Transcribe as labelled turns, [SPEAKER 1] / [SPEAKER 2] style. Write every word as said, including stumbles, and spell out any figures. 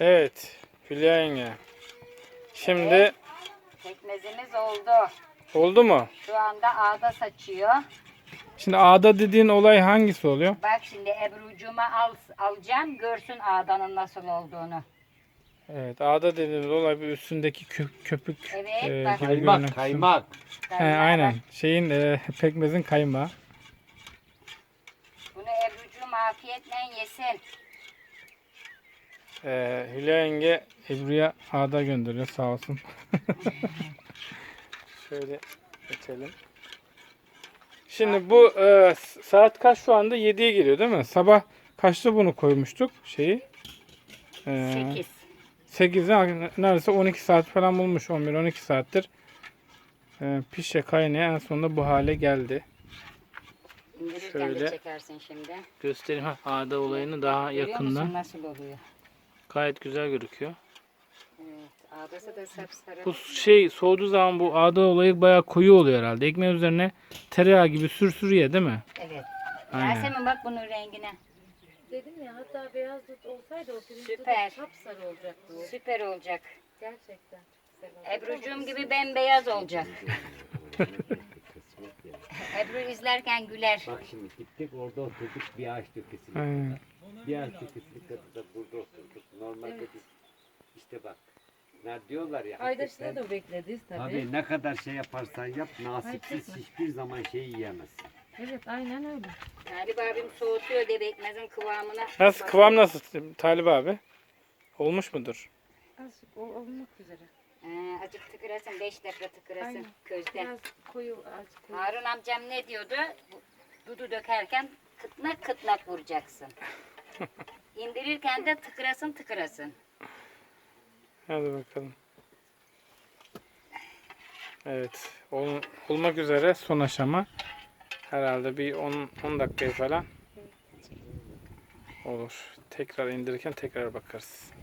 [SPEAKER 1] Evet. Hülya yenge. Şimdi
[SPEAKER 2] Evet, pekmezimiz oldu.
[SPEAKER 1] oldu mu?
[SPEAKER 2] Şu anda ağda saçıyor.
[SPEAKER 1] Şimdi ağda dediğin olay hangisi oluyor?
[SPEAKER 2] Bak şimdi Ebru'cuma al, alacağım. Görsün ağdanın nasıl olduğunu.
[SPEAKER 1] Evet, ağda dediğimiz olay bir üstündeki kö- köpük
[SPEAKER 2] Evet,
[SPEAKER 1] e,
[SPEAKER 2] bak.
[SPEAKER 1] gibi görünen
[SPEAKER 3] Kaymak,
[SPEAKER 1] kısım.
[SPEAKER 3] kaymak.
[SPEAKER 1] He,
[SPEAKER 2] Kaynağı
[SPEAKER 1] aynen.
[SPEAKER 2] bak.
[SPEAKER 1] Şeyin e, pekmezin kaymağı.
[SPEAKER 2] Bunu Ebru'cum afiyetle yesin.
[SPEAKER 1] E, Hülya yenge Ebru'ya ağda gönderiyor sağ olsun. Şöyle geçelim. Şimdi bu e, saat kaç şu anda? yediye geliyor değil mi? Sabah kaçta bunu koymuştuk şeyi? E,
[SPEAKER 2] Sekiz.
[SPEAKER 1] sekizde neredeyse on iki saat falan bulmuş. on bir on iki saattir e, pişe kaynaya en sonunda bu hale geldi.
[SPEAKER 2] İndirirken
[SPEAKER 1] Şöyle.
[SPEAKER 2] de çekersin şimdi.
[SPEAKER 1] Göstereyim ha, ağda olayını daha
[SPEAKER 2] Görüyor musun
[SPEAKER 1] yakından.
[SPEAKER 2] nasıl oluyor?
[SPEAKER 1] Gayet güzel gözüküyor.
[SPEAKER 2] Evet, ağdası da sapsarı.
[SPEAKER 1] Bu şey soğuduğu zaman bu ağda olayı bayağı koyu oluyor herhalde. Ekmeğin üzerine tereyağı gibi sür sür ye değil mi?
[SPEAKER 2] Evet.
[SPEAKER 1] Aynen.
[SPEAKER 2] Yasemin bak bunun rengine.
[SPEAKER 4] Dedim ya, hatta beyaz dut olsaydı o pirinç
[SPEAKER 2] Süper.
[SPEAKER 4] dutu sapsarı olacaktı o.
[SPEAKER 2] Süper olacak.
[SPEAKER 4] Gerçekten çok güzel oldu.
[SPEAKER 2] Ebru'cum gibi bembeyaz olacak. Ebru izlerken güler.
[SPEAKER 3] Bak şimdi gittik orada oturduk bir ağaç dökesine.
[SPEAKER 1] Aynen.
[SPEAKER 3] Bir ağaç dökesine kadar da burada oturduk. Normalde biz işte bak. Ne diyorlar ya.
[SPEAKER 4] Aydaş'ta
[SPEAKER 3] hakikaten,
[SPEAKER 4] da beklediyiz tabii.
[SPEAKER 3] Abi ne kadar şey yaparsan yap nasipsiz hiçbir zaman şey yiyemezsin.
[SPEAKER 4] Evet, aynen öyle.
[SPEAKER 2] Talip abim soğutuyor diye bekmezin kıvamına.
[SPEAKER 1] Nasıl kıvam nasıl Talip abi? Olmuş mudur?
[SPEAKER 4] Azıcık o olmak üzere.
[SPEAKER 2] Ee, azıcık tıkırasın, beş dakika tıkırasın
[SPEAKER 4] Aynen.
[SPEAKER 2] közde.
[SPEAKER 4] Biraz koyu, azıcık koyu.
[SPEAKER 2] Harun amcam ne diyordu? Dudu dökerken kıtnak kıtnak vuracaksın. İndirirken de tıkırasın tıkırasın.
[SPEAKER 1] Hadi bakalım. Evet. Ol, olmak üzere son aşama. Herhalde bir on on dakika falan olur. Tekrar indirirken tekrar bakarız.